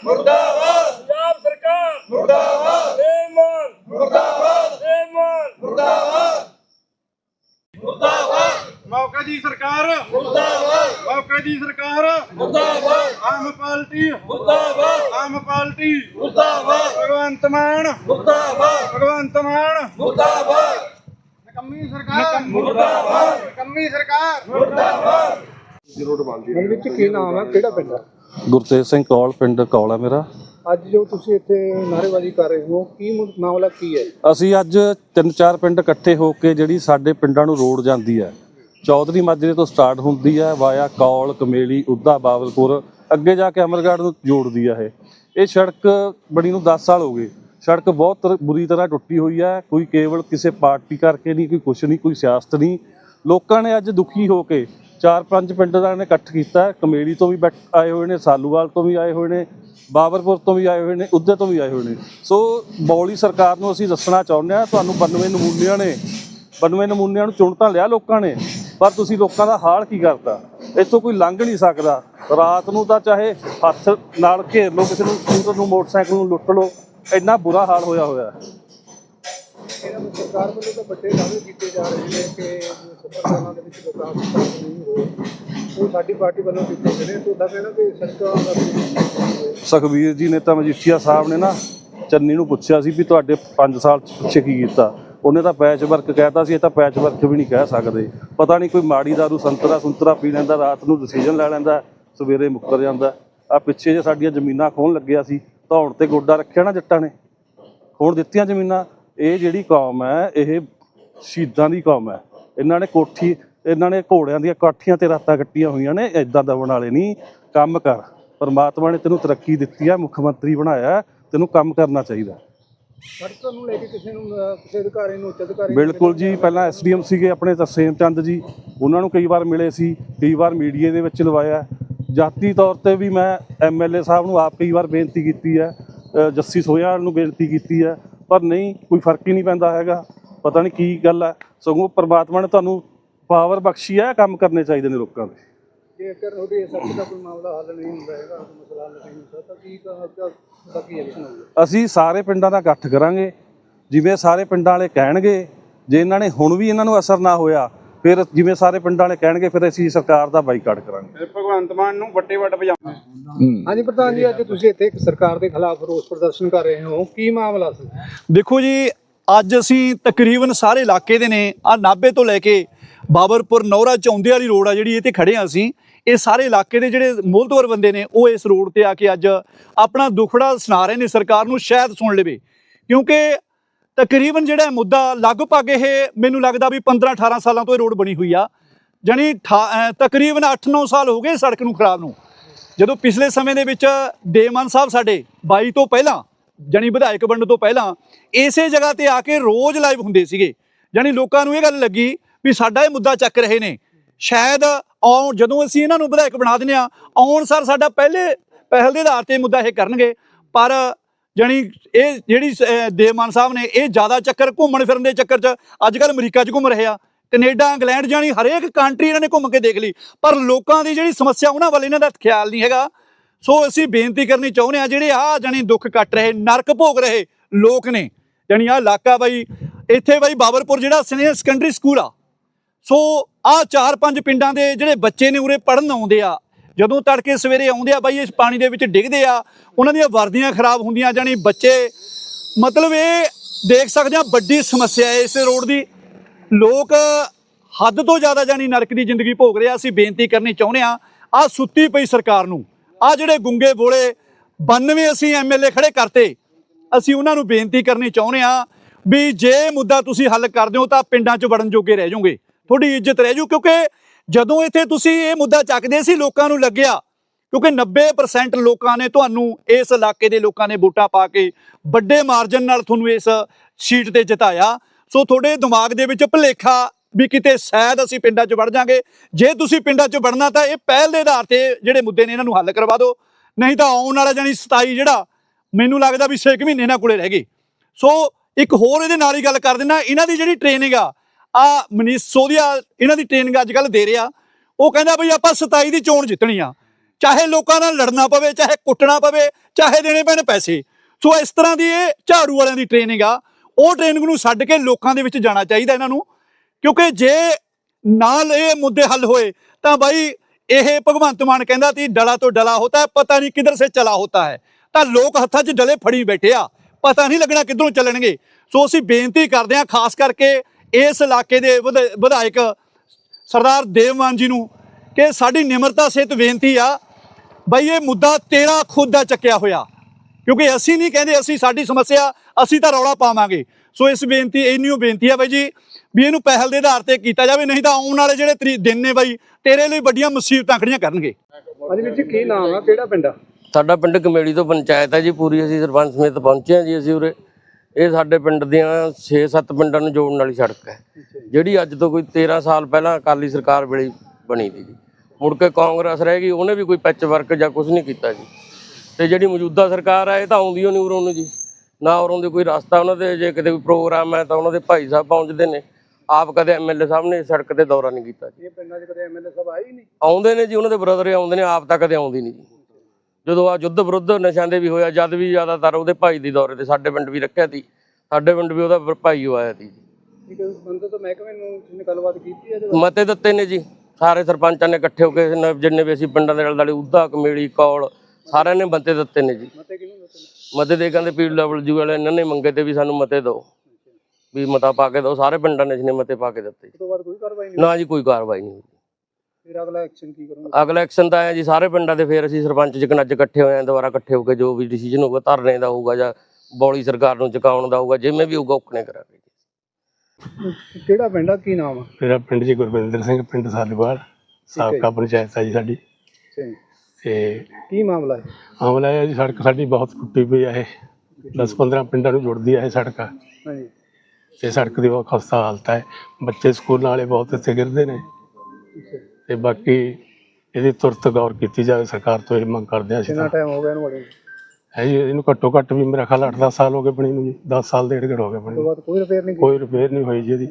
मुर्दाबाद, पंजाब सरकार मुर्दाबाद, बेईमान, मुर्दाबाद, बेईमान, मुर्दाबाद, मुर्दाबाद, मौके दी सरकार, मुर्दाबाद, मौके दी सरकार, मुर्दाबाद, आम पार्टी, मुर्दाबाद, आम पार्टी, मुर्दाबाद, भगवंत मान, मुर्दाबाद, भगवंत मान, मुर्दाबाद, निकम्मी सरकार, मुर्दाबाद, निकम्मी सरकार, मुर्दाबाद। ਮਨ ਵਿੱਚ ਕੀ ਨਾਮ ਹੈ, ਕਿਹੜਾ ਪਿੰਡ ਹੈ? ਗੁਰਤੇਜ ਸਿੰਘ ਕੌਲ, ਪਿੰਡ ਕੌਲ ਹੈ ਮੇਰਾ। ਅੱਜ ਜੋ ਤੁਸੀਂ ਇੱਥੇ ਨਾਅਰੇਬਾਜ਼ੀ ਕਰ ਰਹੇ ਹੋ, ਕੀ ਮਾਮਲਾ ਕੀ ਹੈ? ਅਸੀਂ ਅੱਜ 3-4 ਪਿੰਡ ਇਕੱਠੇ ਹੋ ਕੇ ਜਿਹੜੀ ਸਾਡੇ ਪਿੰਡਾਂ ਨੂੰ ਰੋਡ ਜਾਂਦੀ ਹੈ, ਚੌਧਰੀ ਮਾਜਰੇ ਤੋਂ ਸਟਾਰਟ ਹੁੰਦੀ ਹੈ, ਵਾਇਆ ਕੌਲ, ਕਮੇਲੀ, ਉੱਦਾ, ਬਾਵਲਪੁਰ, ਅੱਗੇ ਜਾ ਕੇ ਅਮਰਗੜ੍ਹ ਨੂੰ ਜੋੜਦੀ ਹੈ। ਇਹ ਸੜਕ ਬਣੀ ਨੂੰ 10 ਸਾਲ ਹੋ ਗਏ। ਸੜਕ ਬਹੁਤ ਬੁਰੀ ਤਰ੍ਹਾਂ ਟੁੱਟੀ ਹੋਈ ਹੈ। ਕੋਈ ਕੇਵਲ ਕਿਸੇ ਪਾਰਟੀ ਕਰਕੇ ਨਹੀਂ, ਕੋਈ ਕੁਛ ਨਹੀਂ, ਕੋਈ ਸਿਆਸਤ ਨਹੀਂ। ਲੋਕਾਂ ਨੇ ਅੱਜ ਦੁਖੀ ਹੋ ਕੇ 4-5 ਪਿੰਡਾਂ ਨੇ ਇਕੱਠ ਕੀਤਾ। ਕਮੇਲੀ ਤੋਂ ਵੀ ਆਏ ਹੋਏ ਨੇ, ਸਾਲੂਵਾਲ ਤੋਂ ਵੀ ਆਏ ਹੋਏ ਨੇ, ਬਾਬਰਪੁਰ ਤੋਂ ਵੀ ਆਏ ਹੋਏ ਨੇ, ਉੱਦੇ ਤੋਂ ਵੀ ਆਏ ਹੋਏ ਨੇ। ਸੋ ਬੌਲੀ ਸਰਕਾਰ ਨੂੰ ਅਸੀਂ ਦੱਸਣਾ ਚਾਹੁੰਦੇ ਹਾਂ, ਤੁਹਾਨੂੰ 92 ਨਮੂਨਿਆਂ ਨੂੰ ਚੁਣ ਤਾਂ ਲਿਆ ਲੋਕਾਂ ਨੇ, ਪਰ ਤੁਸੀਂ ਲੋਕਾਂ ਦਾ ਹਾਲ ਕੀ ਕਰਤਾ? ਇੱਥੋਂ ਕੋਈ ਲੰਘ ਨਹੀਂ ਸਕਦਾ। ਰਾਤ ਨੂੰ ਤਾਂ ਚਾਹੇ ਹੱਥ ਨਾਲ ਘੇਰ ਲਓ, ਕਿਸੇ ਨੂੰ ਸਕੂਟਰ ਨੂੰ, ਮੋਟਰਸਾਈਕਲ ਨੂੰ ਲੁੱਟ ਲਓ, ਇੰਨਾ ਬੁਰਾ ਹਾਲ ਹੋਇਆ ਹੋਇਆ। ਇਹਨਾਂ ਨੂੰ ਸਰਕਾਰ ਵੱਲੋਂ ਤਾਂ ਵੱਡੇ ਦਾਅਵੇ ਕੀਤੇ ਜਾ ਰਹੇ ਨੇ ਕਿ 70 ਸਾਲਾਂ ਦੇ ਵਿੱਚ ਵਿਕਾਸ ਨਹੀਂ ਹੋਇਆ, ਉਹ ਸਾਡੀ ਪਾਰਟੀ ਵੱਲੋਂ ਕੀਤੇ ਗਏ ਨੇ। ਤੁਹਾਡਾ ਕਹਿਣਾ ਕਿ ਸਰਕਾਰ ਦਾ ਸੁਖਬੀਰ ਜੀ ਨੇ ਤਾਂ ਮਜੀਠੀਆ ਸਾਹਿਬ ਨੇ ਨਾ ਚੰਨੀ ਨੂੰ ਪੁੱਛਿਆ ਸੀ ਵੀ ਤੁਹਾਡੇ 5 ਸਾਲ ਪਿੱਛੇ ਕੀ ਕੀਤਾ। ਉਹਨੇ ਤਾਂ ਪੈਚ ਵਰਕ ਕਹਿਤਾ ਸੀ, ਇਹ ਤਾਂ ਪੈਚ ਵਰਕ ਵੀ ਨਹੀਂ ਕਹਿ ਸਕਦੇ। ਪਤਾ ਨਹੀਂ ਕੋਈ ਮਾੜੀ ਦਾਰੂ ਸੰਤਰਾ ਪੀ ਲੈਂਦਾ, ਰਾਤ ਨੂੰ ਡਿਸੀਜਨ ਲੈ ਲੈਂਦਾ, ਸਵੇਰੇ ਮੁੱਕਰ ਜਾਂਦਾ। ਆ ਪਿੱਛੇ ਜੇ ਸਾਡੀਆਂ ਜ਼ਮੀਨਾਂ ਖੋਹਣ ਲੱਗਿਆ ਸੀ, ਧੌਣ ਤੇ ਗੋਡਾ ਰੱਖਿਆ ਨਾ ਜੱਟਾਂ ਨੇ, ਖੋਹਣ ਦਿੱਤੀਆਂ ਜ਼ਮੀਨਾਂ। ਇਹ ਜਿਹੜੀ ਕੌਮ ਹੈ, ਇਹ ਸ਼ਹੀਦਾਂ ਦੀ ਕੌਮ ਹੈ। ਇਹਨਾਂ ਨੇ ਘੋੜਿਆਂ ਦੀਆਂ ਕਾਠੀਆਂ ਤੇ ਰਾਤਾਂ ਕੱਟੀਆਂ ਹੋਈਆਂ ਨੇ। ਇੱਦਾਂ ਦਬਣ ਵਾਲੇ ਨਹੀਂ। ਕੰਮ ਕਰ, ਪਰਮਾਤਮਾ ਨੇ ਤੈਨੂੰ ਤਰੱਕੀ ਦਿੱਤੀ ਹੈ, ਮੁੱਖ ਮੰਤਰੀ ਬਣਾਇਆ, ਤੈਨੂੰ ਕੰਮ ਕਰਨਾ ਚਾਹੀਦਾ। ਸੜਕਾਂ ਨੂੰ ਲੈ ਕੇ ਕਿਸੇ ਅਧਿਕਾਰੀ ਨੂੰ, ਉੱਚ ਅਧਿਕਾਰੀ ਬਿਲਕੁਲ ਜੀ। ਪਹਿਲਾਂ SDM ਸੀਗੇ ਆਪਣੇ ਤਰਸੇਮ ਚੰਦ ਜੀ, ਉਹਨਾਂ ਨੂੰ ਕਈ ਵਾਰ ਮਿਲੇ ਸੀ, ਕਈ ਵਾਰ ਮੀਡੀਆ ਦੇ ਵਿੱਚ ਲਵਾਇਆ। ਜਾਤੀ ਤੌਰ ਤੇ ਵੀ ਮੈਂ MLA ਸਾਹਿਬ ਨੂੰ ਆਪ ਕਈ ਵਾਰ ਬੇਨਤੀ ਕੀਤੀ ਹੈ, ਜੱਸੀ ਸੋਹਿਆਲ ਨੂੰ ਬੇਨਤੀ ਕੀਤੀ ਹੈ, ਪਰ ਨਹੀਂ, ਕੋਈ ਫਰਕ ਹੀ ਨਹੀਂ ਪੈਂਦਾ ਹੈਗਾ। ਪਤਾ ਨਹੀਂ ਕੀ ਗੱਲ ਹੈ। ਸਗੋਂ ਪਰਮਾਤਮਾ ਨੇ ਤੁਹਾਨੂੰ ਪਾਵਰ ਬਖਸ਼ੀ ਹੈ, ਕੰਮ ਕਰਨੇ ਚਾਹੀਦੇ ਨੇ ਲੋਕਾਂ ਦੇ। ਜੇਕਰ ਉਹਦੀ ਸੜਕ ਦਾ ਕੋਈ ਮਾਮਲਾ ਹੱਲ ਨਹੀਂ ਹੁੰਦਾ ਹੈਗਾ, ਮਸਲਾ ਹੱਲ ਨਹੀਂ ਹੁੰਦਾ, ਤਾਂ ਕੀ ਬਾਕੀ ਐਕਸ਼ਨ ਹੋਊਗਾ? ਅਸੀਂ ਸਾਰੇ ਪਿੰਡਾਂ ਦਾ ਇਕੱਠ ਕਰਾਂਗੇ, ਜਿਵੇਂ ਸਾਰੇ ਪਿੰਡਾਂ ਵਾਲੇ ਕਹਿਣਗੇ। ਜੇ ਇਹਨਾਂ ਨੇ ਹੁਣ ਵੀ ਇਹਨਾਂ ਨੂੰ ਅਸਰ ਨਾ ਹੋਇਆ, ਫਿਰ ਜਿਵੇਂ ਸਾਰੇ ਪਿੰਡਾਂ ਵਾਲੇ ਕਹਿਣਗੇ, ਫਿਰ ਅਸੀਂ ਸਰਕਾਰ ਦਾ ਬਾਈਕਾਟ ਕਰਾਂਗੇ। ਭਗਵੰਤ ਮਾਨ ਨੂੰ ਵੱਡੇ ਵਜਾਵਾਂਗੇ। ਹਾਂਜੀ ਪ੍ਰਧਾਨ ਜੀ, ਅੱਜ ਤੁਸੀਂ ਇੱਥੇ ਸਰਕਾਰ ਦੇ ਖਿਲਾਫ ਰੋਸ ਪ੍ਰਦਰਸ਼ਨ ਕਰ ਰਹੇ ਹੋ, ਕੀ ਮਾਮਲਾ ਸੀ? ਦੇਖੋ ਜੀ, ਅੱਜ ਅਸੀਂ ਤਕਰੀਬਨ ਸਾਰੇ ਇਲਾਕੇ ਦੇ ਨੇ, ਆ ਨਾਭੇ ਤੋਂ ਲੈ ਕੇ ਬਾਬਰਪੁਰ, ਨੌਰਾ, ਚੌਂਦੇ ਵਾਲੀ ਰੋਡ ਆ ਜਿਹੜੀ, ਇਹ ਤੇ ਖੜੇ ਆ ਅਸੀਂ। ਇਹ ਸਾਰੇ ਇਲਾਕੇ ਦੇ ਜਿਹੜੇ ਮੋਹਲਤਵਰ ਬੰਦੇ ਨੇ, ਉਹ ਇਸ ਰੋਡ ਤੇ ਆ ਕੇ ਅੱਜ ਆਪਣਾ ਦੁਖੜਾ ਸੁਣਾ ਰਹੇ ਨੇ। ਸਰਕਾਰ ਨੂੰ ਸ਼ਾਇਦ ਸੁਣ ਲਵੇ, ਕਿਉਂਕਿ ਤਕਰੀਬਨ ਜਿਹੜਾ ਮੁੱਦਾ ਲਗਭਗ ਇਹ ਮੈਨੂੰ ਲੱਗਦਾ ਵੀ 15-18 ਸਾਲਾਂ ਤੋਂ ਇਹ ਰੋਡ ਬਣੀ ਹੋਈ ਆ। ਜਾਣੀ ਤਕਰੀਬਨ 8-9 ਸਾਲ ਹੋ ਗਏ ਸੜਕ ਨੂੰ ਖਰਾਬ ਨੂੰ। ਜਦੋਂ ਪਿਛਲੇ ਸਮੇਂ ਦੇ ਵਿੱਚ ਦੇਮਾਨ ਸਾਹਿਬ ਸਾਡੇ 22 ਤੋਂ ਪਹਿਲਾਂ, ਜਾਣੀ ਵਿਧਾਇਕ ਬਣਨ ਤੋਂ ਪਹਿਲਾਂ, ਇਸੇ ਜਗ੍ਹਾ ਤੇ ਆ ਕੇ ਰੋਜ਼ ਲਾਈਵ ਹੁੰਦੇ ਸੀਗੇ। ਜਾਣੀ ਲੋਕਾਂ ਨੂੰ ਇਹ ਗੱਲ ਲੱਗੀ ਵੀ ਸਾਡਾ ਇਹ ਮੁੱਦਾ ਚੱਕ ਰਹੇ ਨੇ, ਸ਼ਾਇਦ ਜਦੋਂ ਅਸੀਂ ਇਹਨਾਂ ਨੂੰ ਵਿਧਾਇਕ ਬਣਾ ਦਿੰਦੇ ਹਾਂ, ਆਉਣ ਸਰ ਸਾਡਾ ਪਹਿਲ ਦੇ ਆਧਾਰ ਤੇ ਮੁੱਦਾ ਇਹ ਕਰਨਗੇ। ਪਰ ਜਾਣੀ ਇਹ ਜਿਹੜੀ ਦੇਮਾਨ ਸਾਹਿਬ ਨੇ, ਇਹ ਜ਼ਿਆਦਾ ਚੱਕਰ ਘੁੰਮਣ ਫਿਰਨ ਦੇ ਚੱਕਰ 'ਚ ਅੱਜ ਕੱਲ੍ਹ ਅਮਰੀਕਾ 'ਚ ਘੁੰਮ ਰਹੇ ਆ, ਕੈਨੇਡਾ, ਇੰਗਲੈਂਡ, ਜਾਣੀ ਹਰੇਕ ਕੰਟਰੀ ਇਹਨਾਂ ਨੇ ਘੁੰਮ ਕੇ ਦੇਖ ਲਈ, ਪਰ ਲੋਕਾਂ ਦੀ ਜਿਹੜੀ ਸਮੱਸਿਆ ਉਹਨਾਂ ਵੱਲ ਇਹਨਾਂ ਦਾ ਖਿਆਲ ਨਹੀਂ ਹੈਗਾ। ਸੋ ਅਸੀਂ ਬੇਨਤੀ ਕਰਨੀ ਚਾਹੁੰਦੇ ਹਾਂ, ਜਿਹੜੇ ਆਹ ਜਾਣੀ ਦੁੱਖ ਕੱਟ ਰਹੇ, ਨਰਕ ਭੋਗ ਰਹੇ ਲੋਕ ਨੇ, ਜਾਣੀ ਆਹ ਇਲਾਕਾ ਬਾਈ, ਇੱਥੇ ਬਾਈ ਬਾਬਰਪੁਰ ਜਿਹੜਾ ਸੀਨੀਅਰ ਸੈਕੰਡਰੀ ਸਕੂਲ ਆ, ਸੋ ਆਹ 4-5 ਪਿੰਡਾਂ ਦੇ ਜਿਹੜੇ ਬੱਚੇ ਨੇ ਉਰੇ ਪੜ੍ਹਨ ਆਉਂਦੇ ਆ, ਜਦੋਂ ਤੜਕੇ ਸਵੇਰੇ ਆਉਂਦੇ ਆ ਬਾਈ, ਇਸ ਪਾਣੀ ਦੇ ਵਿੱਚ ਡਿੱਗਦੇ ਆ, ਉਹਨਾਂ ਦੀਆਂ ਵਰਦੀਆਂ ਖਰਾਬ ਹੁੰਦੀਆਂ। ਜਾਣੀ ਬੱਚੇ, ਮਤਲਬ ਇਹ ਦੇਖ ਸਕਦੇ ਆ ਵੱਡੀ ਸਮੱਸਿਆ ਹੈ ਇਸ ਰੋਡ ਦੀ। ਲੋਕ ਹੱਦ ਤੋਂ ਜ਼ਿਆਦਾ ਜਾਣੀ ਨਰਕ ਦੀ ਜ਼ਿੰਦਗੀ ਭੋਗ ਰਹੇ ਆ। ਅਸੀਂ ਬੇਨਤੀ ਕਰਨੀ ਚਾਹੁੰਦੇ ਆ, ਆਹ ਸੁੱਤੀ ਪਈ ਸਰਕਾਰ ਨੂੰ, ਆਹ ਜਿਹੜੇ ਗੁੰਗੇ ਬੋਲੇ 92 ਅਸੀਂ MLA ਖੜੇ ਕਰਤੇ, ਅਸੀਂ ਉਹਨਾਂ ਨੂੰ ਬੇਨਤੀ ਕਰਨੀ ਚਾਹੁੰਦੇ ਆ ਵੀ ਜੇ ਮੁੱਦਾ ਤੁਸੀਂ ਹੱਲ ਕਰਦੇ ਹੋ ਤਾਂ ਪਿੰਡਾਂ 'ਚ ਵੜਨ ਜੋਗੇ ਰਹਿ ਜਾਓਗੇ, ਤੁਹਾਡੀ ਇੱਜ਼ਤ ਰਹਿ ਜੂ। ਕਿਉਂਕਿ ਜਦੋਂ ਇੱਥੇ ਤੁਸੀਂ ਇਹ ਮੁੱਦਾ ਚੱਕਦੇ ਸੀ, ਲੋਕਾਂ ਨੂੰ ਲੱਗਿਆ, ਕਿਉਂਕਿ 90% ਲੋਕਾਂ ਨੇ ਤੁਹਾਨੂੰ, ਇਸ ਇਲਾਕੇ ਦੇ ਲੋਕਾਂ ਨੇ ਵੋਟਾਂ ਪਾ ਕੇ ਵੱਡੇ ਮਾਰਜਨ ਨਾਲ ਤੁਹਾਨੂੰ ਇਸ ਸੀਟ ਤੇ ਜਿਤਾਇਆ। ਸੋ ਤੁਹਾਡੇ ਦਿਮਾਗ ਦੇ ਵਿੱਚ ਭੁਲੇਖਾ ਵੀ ਕਿਤੇ ਸ਼ਾਇਦ ਅਸੀਂ ਪਿੰਡਾਂ 'ਚ ਵੜ ਜਾਾਂਗੇ। ਜੇ ਤੁਸੀਂ ਪਿੰਡਾਂ 'ਚ ਵੜਨਾ ਤਾਂ ਇਹ ਪਹਿਲ ਦੇ ਆਧਾਰ ਤੇ ਜਿਹੜੇ ਮੁੱਦੇ ਨੇ ਇਹਨਾਂ ਨੂੰ ਹੱਲ ਕਰਵਾ ਦਿਓ, ਨਹੀਂ ਤਾਂ ਆਉਣ ਵਾਲਾ ਜਾਣੀ 27 ਜਿਹੜਾ ਮੈਨੂੰ ਲੱਗਦਾ ਵੀ 6 ਮਹੀਨੇ ਇਹਨਾਂ ਕੋਲੇ ਰਹਿ ਗਏ। ਸੋ ਇੱਕ ਹੋਰ ਇਹਦੇ ਨਾਲ ਹੀ ਗੱਲ ਕਰ ਦਿੰਦਾ, ਇਹਨਾਂ ਦੀ ਜਿਹੜੀ ਟ੍ਰੇਨਿੰਗ ਆ ਮਨੀਸ਼ ਸੋਧੀਆ, ਇਹਨਾਂ ਦੀ ਟ੍ਰੇਨਿੰਗ ਅੱਜ ਕੱਲ੍ਹ ਦੇ ਰਿਹਾ। ਉਹ ਕਹਿੰਦਾ ਬਈ ਆਪਾਂ 27 ਦੀ ਚੋਣ ਜਿੱਤਣੀ ਆ। ਚਾਹੇ ਲੋਕਾਂ ਨਾਲ ਲੜਨਾ ਪਵੇ, ਚਾਹੇ ਕੁੱਟਣਾ ਪਵੇ, ਚਾਹੇ ਦੇਣੇ ਪੈਣ ਪੈਸੇ। ਸੋ ਇਸ ਤਰ੍ਹਾਂ ਦੀ ਇਹ ਝਾੜੂ ਵਾਲਿਆਂ ਦੀ ਟ੍ਰੇਨਿੰਗ ਆ। ਉਹ ਟ੍ਰੇਨਿੰਗ ਨੂੰ ਛੱਡ ਕੇ ਲੋਕਾਂ ਦੇ ਵਿੱਚ ਜਾਣਾ ਚਾਹੀਦਾ ਇਹਨਾਂ ਨੂੰ, ਕਿਉਂਕਿ ਜੇ ਨਾਲ ਇਹ ਮੁੱਦੇ ਹੱਲ ਹੋਏ ਤਾਂ ਬਾਈ ਇਹ ਭਗਵੰਤ ਮਾਨ ਕਹਿੰਦਾ ਸੀ ਡਲਾ ਤੋਂ ਡਲਾ ਹੋਤਾ ਹੈ, ਪਤਾ ਨਹੀਂ ਕਿੱਧਰ ਸੇ ਚਲਾ ਹੋਤਾ ਹੈ। ਤਾਂ ਲੋਕ ਹੱਥਾਂ 'ਚ ਡਲੇ ਫੜੀ ਬੈਠੇ ਆ, ਪਤਾ ਨਹੀਂ ਲੱਗਣਾ ਕਿੱਧਰੋਂ ਚੱਲਣਗੇ। ਸੋ ਅਸੀਂ ਬੇਨਤੀ ਕਰਦੇ ਹਾਂ ਖਾਸ ਕਰਕੇ ਇਸ ਇਲਾਕੇ ਦੇ ਵਿਧਾਇਕ ਸਰਦਾਰ ਦੇਵਮਾਨ ਜੀ ਨੂੰ ਕਿ ਸਾਡੀ ਨਿਮਰਤਾ ਸਹਿਤ ਬੇਨਤੀ ਆ ਬਈ ਇਹ ਮੁੱਦਾ ਤੇਰਾ ਖੁਦ ਦਾ ਚੱਕਿਆ ਹੋਇਆ, ਕਿਉਂਕਿ ਅਸੀਂ ਨਹੀਂ ਕਹਿੰਦੇ ਅਸੀਂ ਸਾਡੀ ਸਮੱਸਿਆ ਅਸੀਂ ਤਾਂ ਰੌਲਾ ਪਾਵਾਂਗੇ। ਸੋ ਇਸ ਬੇਨਤੀ ਇੰਨੀ ਬੇਨਤੀ ਆ ਬਾਈ ਜੀ ਵੀ ਇਹਨੂੰ ਪਹਿਲ ਦੇ ਆਧਾਰ ਤੇ ਕੀਤਾ ਜਾਵੇ, ਨਹੀਂ ਤਾਂ ਆਉਣ ਵਾਲੇ ਜਿਹੜੇ ਦਿਨ ਨੇ ਬਾਈ ਤੇਰੇ ਲਈ ਵੱਡੀਆਂ ਮੁਸੀਬਤਾਂ ਖੜੀਆਂ ਕਰਨਗੇ। ਅੱਜ ਵੀਰ ਜੀ ਕੀ ਨਾਮ ਆ, ਕਿਹੜਾ ਪਿੰਡ ਆ? ਸਾਡਾ ਪਿੰਡ ਕਮੇੜੀ ਤੋਂ ਪੰਚਾਇਤ ਹੈ ਜੀ ਪੂਰੀ। ਅਸੀਂ ਸਰਪੰਚ ਸਮੇਤ ਪਹੁੰਚੇ ਹਾਂ ਜੀ। ਅਸੀਂ ਉਰੇ ਇਹ ਸਾਡੇ ਪਿੰਡ ਦੀਆਂ 6-7 ਪਿੰਡਾਂ ਨੂੰ ਜੋੜਨ ਵਾਲੀ ਸੜਕ ਹੈ, ਜਿਹੜੀ ਅੱਜ ਤੋਂ ਕੋਈ 13 ਸਾਲ ਪਹਿਲਾਂ ਅਕਾਲੀ ਸਰਕਾਰ ਵੇਲੇ ਬਣੀ ਸੀ ਜੀ। ਮੁੜ ਕੇ ਕਾਂਗਰਸ ਰਹਿ ਗਈ, ਉਹਨੇ ਵੀ ਕੋਈ ਪੈਚ ਵਰਕ ਜਾਂ ਕੁਝ ਨਹੀਂ ਕੀਤਾ ਜੀ। ਤੇ ਜਿਹੜੀ ਮੌਜੂਦਾ ਸਰਕਾਰ ਹੈ ਇਹ ਤਾਂ ਆਉਂਦੀ ਓ ਨਹੀਂ ਉਰੋਂ ਨੂੰ ਜੀ, ਨਾ ਉਰੋਂ ਦੇ ਕੋਈ ਰਸਤਾ ਉਹਨਾਂ ਦੇ। ਜੇ ਕਿਤੇ ਕੋਈ ਪ੍ਰੋਗਰਾਮ ਹੈ ਤਾਂ ਉਹਨਾਂ ਦੇ ਭਾਈ ਸਾਹਿਬ ਪਹੁੰਚਦੇ ਨੇ, ਆਪ ਕਦੇ ਐਮਐਲਏ ਸਾਹਿਬ ਨੇ ਸੜਕ ਤੇ ਦੌਰਾ ਨਹੀਂ ਕੀਤਾ ਜੀ। ਇਹ ਪਿੰਡਾਂ 'ਚ ਕਦੇ ਐਮਐਲਏ ਸਾਹਿਬ ਆਏ ਹੀ ਨਹੀਂ? ਆਉਂਦੇ ਨੇ ਜੀ, ਉਹਨਾਂ ਦੇ ਬ੍ਰਦਰ ਆਉਂਦੇ ਨੇ, ਆਪ ਤਾਂ ਕਦੇ ਆਉਂਦੀ ਨਹੀਂ ਜੀ। ਜਦੋਂ ਆ ਯੁੱਧ ਵਿਰੁੱਧ ਨਸ਼ਿਆਂ ਦੇ ਵੀ ਹੋਇਆ ਜਦ ਵੀ ਜ਼ਿਆਦਾਤਰ ਉਹਦੇ ਭਾਈ ਦੀ ਦੌਰੇ ਤੇ ਸਾਡੇ ਪਿੰਡ ਵੀ ਰੱਖਿਆ ਸੀ, ਸਾਡੇ ਪਿੰਡ ਵੀ ਉਹਦਾ ਭਾਈ ਉਹ ਆਇਆ ਸੀ ਜੀ। ਬੰਦੇ ਤੋਂ ਮਹਿਕਮੇ ਨੂੰ ਤੁਸੀਂ ਗੱਲਬਾਤ ਕੀਤੀ ਹੈ? ਮਤੇ ਦਿੱਤੇ ਨੇ ਜੀ ਸਾਰੇ ਸਰਪੰਚਾਂ ਨੇ ਇਕੱਠੇ ਹੋ ਕੇ, ਜਿੰਨੇ ਵੀ ਅਸੀਂ ਪਿੰਡਾਂ ਦੇ ਨਾਲ ਦਾਲੇ ਉਦਾ ਕਮੇੜੀ ਕੌਲ ਸਾਰਿਆਂ ਨੇ ਮਤੇ ਦਿੱਤੇ ਨੇ ਜੀ। ਮਤੇ ਕਿਹਨੂੰ ਦਿੱਤੇ ਨੇ? ਮਤੇ ਦੇ ਕਹਿੰਦੇ PWG ਵਾਲੇ ਇਹਨਾਂ ਨੇ ਮੰਗੇ ਤੇ ਵੀ ਸਾਨੂੰ ਮਤੇ ਦਿਓ, ਵੀ ਮਤਾ ਪਾ ਕੇ ਦਿਓ। ਸਾਰੇ ਪਿੰਡਾਂ ਨੇ ਇਸਨੇ ਮਤੇ ਪਾ ਕੇ ਦਿੱਤੇ। ਉਸ ਤੋਂ ਬਾਅਦ ਕੋਈ ਕਾਰਵਾਈ ਨਹੀਂ? ਨਾ ਜੀ ਕੋਈ ਕਾਰਵਾਈ ਨਹੀਂ ਹੋਈ। ਫਿਰ ਅਗਲਾ ਐਕਸ਼ਨ ਕੀ ਕਰੋਗੇ? ਅਗਲਾ ਐਕਸ਼ਨ ਤਾਂ ਆਇਆ ਜੀ ਸਾਰੇ ਪਿੰਡਾਂ ਦੇ, ਫਿਰ ਅਸੀਂ ਸਰਪੰਚ ਜਕਨੱਜ ਇਕੱਠੇ ਹੋਏ ਆਂ, ਦੁਬਾਰਾ ਇਕੱਠੇ ਹੋ ਕੇ ਜੋ ਵੀ ਡਿਸੀਜਨ ਹੋਊਗਾ ਧਰਨੇ ਦਾ ਹੋਊਗਾ ਜਾਂ ਬੌਲੀ ਸਰਕਾਰ ਨੂੰ ਚੁਕਾਉਣ ਦਾ ਹੋਊਗਾ, ਜਿਵੇਂ ਵੀ ਹੋਊਗਾ ਔਕਣੇ ਕਰਾਂਗੇ। ਕਿਹੜਾ ਪਿੰਡ ਆ, ਕੀ ਨਾਮ ਆ? ਮੇਰਾ ਪਿੰਡ ਜੀ ਗੁਰਵਿੰਦਰ ਸਿੰਘ, ਪਿੰਡ ਸਾਲੂਵਾਲ, ਸਾਬਕਾ ਪੰਚਾਇਤ ਆ ਜੀ ਸਾਡੀ। ਤੇ ਕੀ ਮਾਮਲਾ ਹੈ? ਮਾਮਲਾ ਇਹ ਹੈ ਜੀ ਸੜਕ ਸਾਡੀ ਬਹੁਤ ਟੁੱਟੀ ਪਈ ਆ। ਇਹ 10-15 ਪਿੰਡਾਂ ਨੂੰ ਜੁੜਦੀ ਆ ਇਹ ਸੜਕ। ਹਾਂਜੀ। ਤੇ ਸੜਕ ਦੀ ਬਹੁਤ ਖਸਤਾ ਹਾਲਤ ਹੈ। ਬੱਚੇ ਸਕੂਲਾਂ ਵਾਲੇ ਬਹੁਤ ਇੱਥੇ ਗਿਰਦੇ ਨੇ। ਤੇ ਬਾਕੀ ਇਹਦੀ ਤੁਰਤ ਗੌਰ ਕੀਤੀ ਜਾਵੇ ਸਰਕਾਰ ਤੋਂ, ਇਹ ਮੰਗ ਕਰਦੇ ਹਾਂ ਅਸੀਂ। ਕਿੰਨਾ ਟਾਈਮ ਹੋ ਗਿਆ ਇਹਨੂੰ ਬਣੇ? ਹੈ ਜੀ ਇਹਨੂੰ ਘੱਟੋ ਘੱਟ ਵੀ ਮੇਰਾ ਖਿਆਲ 8-10 ਸਾਲ ਹੋ ਗਏ ਬਣੀ ਨੂੰ ਜੀ। 10 ਸਾਲ ਦੇ ਢੇੜ ਹੋ ਗਏ ਬਣੀ ਤੋਂ ਨੂੰ। ਬਾਅਦ ਕੋਈ ਰਿਪੇਅਰ ਨਹੀਂ ਕੀਤੀ? ਕੋਈ ਰਿਪੇਅਰ ਨਹੀਂ ਹੋਈ ਜੀ ਇਹਦੀ।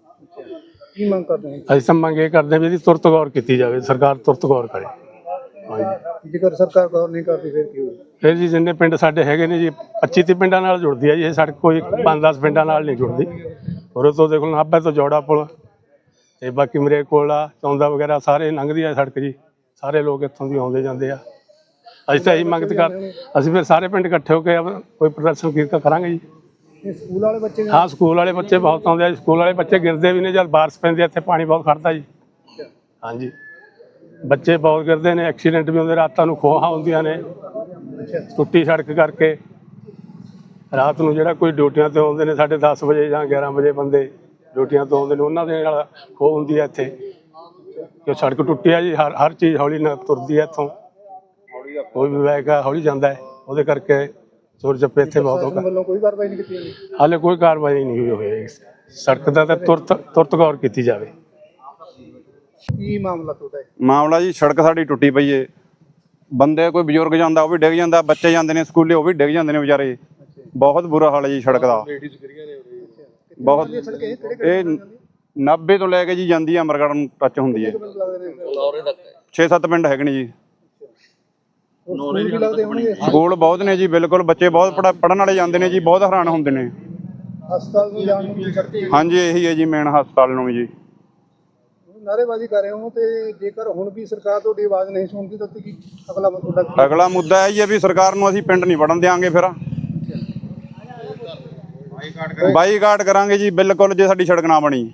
ਕੀ ਮੰਗ ਕਰਦੇ ਨੇ? ਅਸੀਂ ਤਾਂ ਮੰਗ ਇਹ ਕਰਦੇ ਹਾਂ ਵੀ ਇਹਦੀ ਤੁਰਤ ਗੌਰ ਕੀਤੀ ਜਾਵੇ, ਸਰਕਾਰ ਤੁਰਤ ਗੌਰ ਕਰੇ। ਹਾਂਜੀ। ਜੇਕਰ ਸਰਕਾਰ ਗੌਰ ਨਹੀਂ ਕਰਦੀ ਫਿਰ ਕੀ ਹੋਊ? ਫਿਰ ਜੀ ਜਿੰਨੇ ਪਿੰਡ ਸਾਡੇ ਹੈਗੇ ਨੇ ਜੀ 25-30 ਪਿੰਡਾਂ ਨਾਲ ਜੁੜਦੀ ਹੈ ਜੀ ਇਹ ਸੜਕ, ਕੋਈ 5-10 ਪਿੰਡਾਂ ਨਾਲ ਨਹੀਂ ਜੁੜਦੀ। ਔਰ ਤੋਂ ਦੇਖ ਲਓ ਨਾਭੇ ਤੋਂ ਜੋੜਾ ਪੁਲ ਤੇ ਬਾਕੀ ਮੇਰੇ ਕੋਲ ਆ ਚੌਂਦਾ ਵਗੈਰਾ ਸਾਰੇ ਲੰਘਦੀ ਆ ਸੜਕ ਜੀ। ਸਾਰੇ ਲੋਕ ਇੱਥੋਂ ਦੀ ਆਉਂਦੇ ਜਾਂਦੇ ਆ। ਅਸੀਂ ਤਾਂ ਇਹੀ ਮੰਗ ਕਰ, ਅਸੀਂ ਫਿਰ ਸਾਰੇ ਪਿੰਡ ਇਕੱਠੇ ਹੋ ਕੇ ਕੋਈ ਪ੍ਰਦਰਸ਼ਨ ਕੀਤਾ ਕਰਾਂਗੇ ਜੀ। ਇਹ ਸਕੂਲ ਵਾਲੇ ਬੱਚੇ? ਹਾਂ ਸਕੂਲ ਵਾਲੇ ਬੱਚੇ ਬਹੁਤ ਆਉਂਦੇ ਆ। ਸਕੂਲ ਵਾਲੇ ਬੱਚੇ ਗਿਰਦੇ ਵੀ ਨੇ ਜਦ ਬਾਰਿਸ਼ ਪੈਂਦੀ ਆ, ਇੱਥੇ ਪਾਣੀ ਬਹੁਤ ਖੜਦਾ ਜੀ। ਹਾਂਜੀ ਬੱਚੇ ਬਹੁਤ ਗਿਰਦੇ ਨੇ, ਐਕਸੀਡੈਂਟ ਵੀ ਹੁੰਦੇ, ਰਾਤਾਂ ਨੂੰ ਖੋਹਾਂ ਹੁੰਦੀਆਂ ਨੇ ਟੁੱਟੀ ਸੜਕ ਕਰਕੇ। ਰਾਤ ਨੂੰ ਜਿਹੜਾ ਕੋਈ ਡਿਊਟੀਆਂ ਤੇ ਆਉਂਦੇ ਨੇ 10:30 ਵਜੇ ਜਾਂ 11 ਵਜੇ ਬੰਦੇ ਡਿਊਟੀਆਂ ਤੋਂ ਆਉਂਦੇ ਨੇ, ਉਹਨਾਂ ਦੇ ਨਾਲ ਖੋਹ ਹੁੰਦੀ ਹੈ ਇੱਥੇ। ਜੋ ਸੜਕ ਟੁੱਟੀ ਆ ਜੀ, ਹਰ ਚੀਜ਼ ਹੌਲੀ ਨਾਲ ਤੁਰਦੀ ਹੈ ਇੱਥੋਂ। ਕੋਈ ਵੀ ਵੈਕ ਹੌਲੀ ਜਾਂਦਾ ਹੈ, ਉਹਦੇ ਕਰਕੇ ਚੋਰ ਚੱਪੇ ਇੱਥੇ ਬਹੁਤ ਹੋ ਗਏ। ਵੱਲੋਂ ਕੋਈ ਕਾਰਵਾਈ ਨਹੀਂ ਕੀਤੀ ਜਾਂਦੀ? ਹਾਲੇ ਕੋਈ ਕਾਰਵਾਈ ਨਹੀਂ ਹੋਈ। ਸੜਕ ਦਾ ਤਾਂ ਤੁਰਤ ਗੌਰ ਕੀਤੀ ਜਾਵੇ। ਕੀ ਮਾਮਲਾ ਤੁਹਾਡਾ? ਮਾਮਲਾ ਜੀ ਸੜਕ ਸਾਡੀ ਟੁੱਟੀ ਪਈ ਏ। ਬੰਦੇ ਕੋਈ ਬਜ਼ੁਰਗ ਜਾਂਦਾ ਉਹ ਵੀ ਡਿੱਗ ਜਾਂਦਾ, ਬੱਚੇ ਜਾਂਦੇ ਨੇ ਸਕੂਲੇ ਉਹ ਵੀ ਡਿੱਗ ਜਾਂਦੇ ਨੇ ਵਿਚਾਰੇ। ਬਹੁਤ ਬੁਰਾ ਹਾਲ ਹੈ ਜੀ ਸੜਕ ਦਾ। ਬਹੁਤ ਇਹ 90 ਤੋਂ ਲੈ ਕੇ ਜੀ ਜਾਂਦੀ ਆ ਅਮਰਗੜ੍ਹ ਨੂੰ ਟੱਚ ਹੁੰਦੀ ਹੈ। 6-7 ਪਿੰਡ ਹੈਗੇ ਨੇ ਜੀ। ਸਕੂਲ ਬਹੁਤ ਨੇ ਜੀ, ਬਿਲਕੁਲ ਬੱਚੇ ਬਹੁਤ ਪੜ੍ਹਨ ਵਾਲੇ ਜਾਂਦੇ ਨੇ ਜੀ, ਬਹੁਤ ਹੈਰਾਨ ਹੁੰਦੇ ਨੇ। ਹਸਪਤਾਲ ਨੂੰ ਜਾਣ ਨੂੰ ਕੀ? ਹਾਂਜੀ ਇਹੀ ਹੈ ਜੀ ਮੇਨ ਹਸਪਤਾਲ ਨੂੰ ਵੀ ਜੀ। ਨਾਅਰੇਬਾਜ਼ੀ ਕਰ ਰਹੇ ਹੋ ਤੇ ਜੇਕਰ ਹੁਣ ਵੀ ਸਰਕਾਰ ਤੁਹਾਡੀ ਆਵਾਜ਼ ਨਹੀਂ ਸੁਣਦੀ ਤਾਂ ਕੀ ਅਗਲਾ ਤੁਹਾਡਾ? ਅਗਲਾ ਮੁੱਦਾ ਇਹ ਹੈ ਵੀ ਸਰਕਾਰ ਨੂੰ ਅਸੀਂ ਪਿੰਡ ਨਹੀਂ ਵੜਨ ਦਿਆਂਗੇ। ਫਿਰ ਬਾਈਕਾਟ ਕਰਾਂਗੇ ਜੀ ਬਿਲਕੁਲ, ਜੇ ਸਾਡੀ ਸੜਕ ਨਾ ਬਣੀ।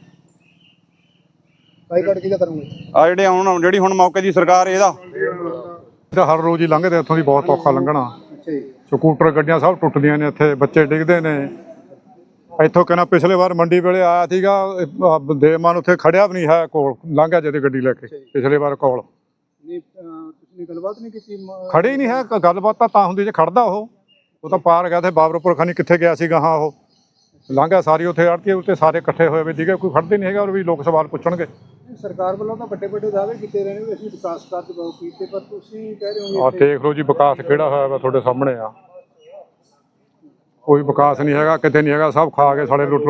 ਬਾਈਕਾਟ ਕਿਹਦਾ ਕਰੋਗੇ? ਆ ਜਿਹੜੀ ਹੁਣ ਮੌਕੇ ਦੀ ਸਰਕਾਰ ਇਹਦਾ ਹਰ ਰੋਜ਼ ਹੀ ਲੰਘਦੇ ਇੱਥੋਂ ਦੀ, ਬਹੁਤ ਔਖਾ ਲੰਘਣਾ। ਸਕੂਟਰ ਗੱਡੀਆਂ ਸਭ ਟੁੱਟਦੀਆਂ ਨੇ, ਇੱਥੇ ਬੱਚੇ ਡਿੱਗਦੇ ਨੇ। ਇੱਥੋਂ ਕਹਿੰਦਾ ਪਿਛਲੇ ਵਾਰ ਮੰਡੀ ਵੇਲੇ ਆਇਆ ਸੀਗਾ, ਦੇਵਮਾਨ ਉੱਥੇ ਖੜਿਆ ਵੀ ਨਹੀਂ ਹੈ ਕੋਲ, ਲੰਘਿਆ ਜਿਹਦੇ ਗੱਡੀ ਲੈ ਕੇ ਪਿਛਲੇ ਵਾਰ ਕੋਲ। ਤੁਸੀਂ ਗੱਲਬਾਤ ਨਹੀਂ ਕੀਤੀ? ਖੜੇ ਹੀ ਨਹੀਂ ਹੈ। ਗੱਲਬਾਤ ਤਾਂ ਹੁੰਦੀ ਜੇ ਖੜਦਾ ਉਹ ਤਾਂ ਪਾਰ ਗਿਆ ਤੇ ਬਾਬਰਪੁਰ ਖਾਨੀ ਕਿੱਥੇ ਗਿਆ ਸੀਗਾ। ਹਾਂ ਉਹ ਲੰਘਿਆ ਸਾਰੀ ਉੱਥੇ ਆੜਤੀ ਉੱਤੇ ਸਾਰੇ ਇਕੱਠੇ ਹੋਏ ਵੀ ਸੀਗੇ, ਕੋਈ ਖੜਦੇ ਨਹੀਂ ਹੈਗਾ। ਔਰ ਵੀ ਲੋਕ ਸਵਾਲ ਪੁੱਛਣਗੇ। ਸਰਕਾਰ ਵੱਲੋਂ ਤਾਂ ਵੱਡੇ ਵੱਡੇ ਦਾਅਵੇ ਕੀਤੇ ਰਹੇ ਨੇ ਵੀ ਅਸੀਂ ਵਿਕਾਸ ਕਾਰਜ ਬਹੁਤ ਕੀਤੇ, ਪਰ ਤੁਸੀਂ ਕਹਿ ਰਹੇ ਹੋ ਆਹ ਦੇਖ ਲਓ ਜੀ ਵਿਕਾਸ ਕਿਹੜਾ ਹੋਇਆ ਵਾ ਤੁਹਾਡੇ ਸਾਹਮਣੇ ਆ। ਕੋਈ ਵਿਕਾਸ ਨਹੀਂ ਹੈਗਾ, ਕਿਤੇ ਨਹੀਂ ਹੈਗਾ, ਸਭ ਖਾ ਕੇ ਸਾਲੇ ਲੁੱਟ।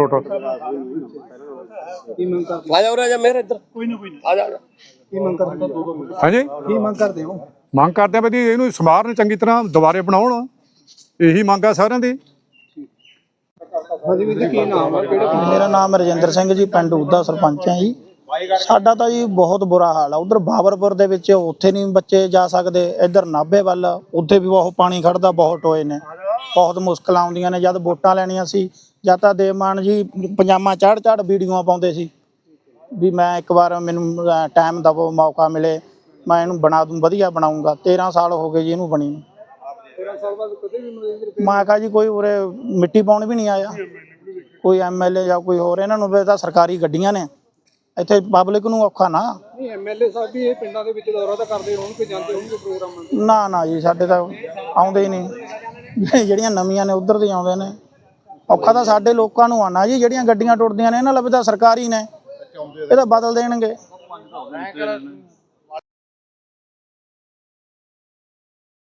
ਕੀ ਮੰਗ ਕਰਦੇ? ਆ ਜਾ ਉਰੇ ਆ ਜਾ ਮੇਰੇ ਇੱਧਰ। ਕੋਈ ਨਾ ਆ ਜਾ। ਕੀ ਮੰਗ ਕਰਦੇ? ਹਾਂਜੀ ਕੀ ਮੰਗ ਕਰਦੇ ਹੋ? ਮੰਗ ਕਰਦੇ ਆ ਵੀ ਇਹਨੂੰ ਸਮਾਰਨ ਚੰਗੀ ਤਰ੍ਹਾਂ ਦੁਬਾਰੇ ਬਣਾਉਣ, ਇਹੀ ਮੰਗ ਆ ਸਾਰਿਆਂ ਦੀ। ਹਾਂਜੀ ਵੀਰ ਜੀ, ਕੀ ਨਾਮ ਹੈ, ਕਿਹੜਾ ਪਿੰਡ? ਮੇਰਾ ਨਾਮ ਰਜਿੰਦਰ ਸਿੰਘ ਜੀ, ਪਿੰਡ ਉਦਾ ਸਰਪੰਚ ਹੈ ਜੀ। ਸਾਡਾ ਤਾਂ ਜੀ ਬਹੁਤ ਬੁਰਾ ਹਾਲ ਆ। ਉਧਰ ਬਾਬਰਪੁਰ ਦੇ ਵਿੱਚ ਉੱਥੇ ਨਹੀਂ ਬੱਚੇ ਜਾ ਸਕਦੇ, ਇੱਧਰ ਨਾਭੇ ਵੱਲ ਉੱਥੇ ਵੀ ਬਹੁਤ ਪਾਣੀ ਖੜਦਾ, ਬਹੁਤ ਟੋਏ ਨੇ, ਬਹੁਤ ਮੁਸ਼ਕਲਾਂ ਆਉਂਦੀਆਂ ਨੇ। ਜਦ ਵੋਟਾਂ ਲੈਣੀਆਂ ਸੀ ਜਾਂ ਤਾਂ ਦੇਵਮਾਨ ਜੀ ਪਜਾਮਾ ਚੜ੍ਹ ਵੀਡੀਓਆਂ ਪਾਉਂਦੇ ਸੀ ਵੀ ਮੈਂ ਇੱਕ ਵਾਰ ਮੈਨੂੰ ਟਾਈਮ ਦਵੋ, ਮੌਕਾ ਮਿਲੇ, ਮੈਂ ਇਹਨੂੰ ਬਣਾ ਦੂੰ, ਵਧੀਆ ਬਣਾਉਂਗਾ। 13 ਸਾਲ ਹੋ ਗਏ ਜੀ ਇਹਨੂੰ ਬਣੀ ਨੂੰ। 13 ਸਾਲ ਬਾਅਦ ਕਦੇ ਵੀ ਮੈਂ ਕਿਹਾ ਜੀ ਕੋਈ ਉਰੇ ਮਿੱਟੀ ਪਾਉਣ ਵੀ ਨਹੀਂ ਆਇਆ, ਕੋਈ ਐਮਐਲਏ ਜਾਂ ਕੋਈ ਹੋਰ। ਇਹਨਾਂ ਨੂੰ ਵੀ ਤਾਂ ਸਰਕਾਰੀ ਗੱਡੀਆਂ ਨੇ, ਇੱਥੇ ਪਬਲਿਕ ਨੂੰ ਔਖਾ ਨਾ। ਨਹੀਂ, ਐਮਐਲਏ ਸਾਹਿਬ ਵੀ ਇਹ ਪਿੰਡਾਂ ਦੇ ਵਿੱਚ ਦੌਰਾ ਤਾਂ ਕਰਦੇ ਹੋਣਗੇ, ਜਾਂਦੇ ਹੋਣਗੇ ਪ੍ਰੋਗਰਾਮਾਂ ਤੇ? ਨਾ ਜੀ, ਸਾਡੇ ਤਾਂ ਆਉਂਦੇ ਹੀ ਨਹੀਂ। ਜਿਹੜੀਆਂ ਨਵੀਆਂ ਨੇ ਉਧਰ ਦੇ ਆਉਂਦੇ ਨੇ। ਔਖਾ ਤਾਂ ਸਾਡੇ ਲੋਕਾਂ ਨੂੰ ਆਣਾ ਜੀ, ਜਿਹੜੀਆਂ ਗੱਡੀਆਂ ਟੁੱਟਦੀਆਂ ਨੇ ਇਹਨਾਂ ਲਈ ਤਾਂ ਸਰਕਾਰੀ ਨੇ, ਇਹ ਤਾਂ ਬਦਲ ਦੇਣਗੇ।